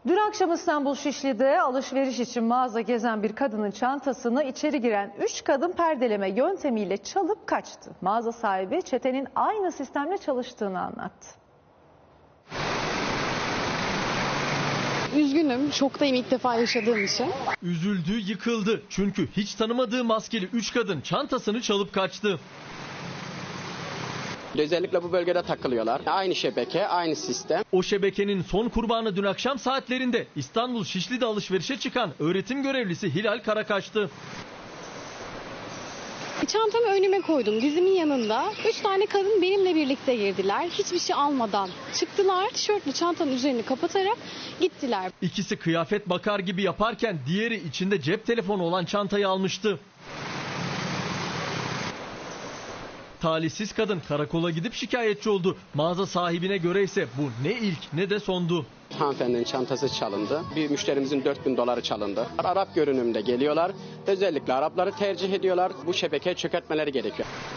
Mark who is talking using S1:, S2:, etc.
S1: Dün akşam İstanbul Şişli'de alışveriş için mağaza gezen bir kadının çantasını içeri giren 3 kadın perdeleme yöntemiyle çalıp kaçtı. Mağaza sahibi çetenin aynı sistemle çalıştığını anlattı.
S2: Üzgünüm, şoktayım ilk defa yaşadığım için.
S3: Üzüldü, yıkıldı. Çünkü hiç tanımadığı maskeli 3 kadın çantasını çalıp kaçtı.
S4: Özellikle bu bölgede takılıyorlar. Aynı şebeke, aynı sistem.
S3: O şebekenin son kurbanı dün akşam saatlerinde İstanbul Şişli'de alışverişe çıkan öğretim görevlisi Hilal Karakaş'tı.
S2: Çantamı önüme koydum, dizimin yanında. 3 tane kadın benimle birlikte girdiler. Hiçbir şey almadan çıktılar. Tişörtlü çantanın üzerini kapatarak gittiler.
S3: İkisi kıyafet bakar gibi yaparken diğeri içinde cep telefonu olan çantayı almıştı. Talihsiz kadın karakola gidip şikayetçi oldu. Mağaza sahibine göre ise bu ne ilk ne de sondu.
S4: Hanımefendinin çantası çalındı. Bir müşterimizin 4.000 doları çalındı. Arap görünümde geliyorlar. Özellikle Arapları tercih ediyorlar. Bu şebekeyi çökertmeleri gerekiyor.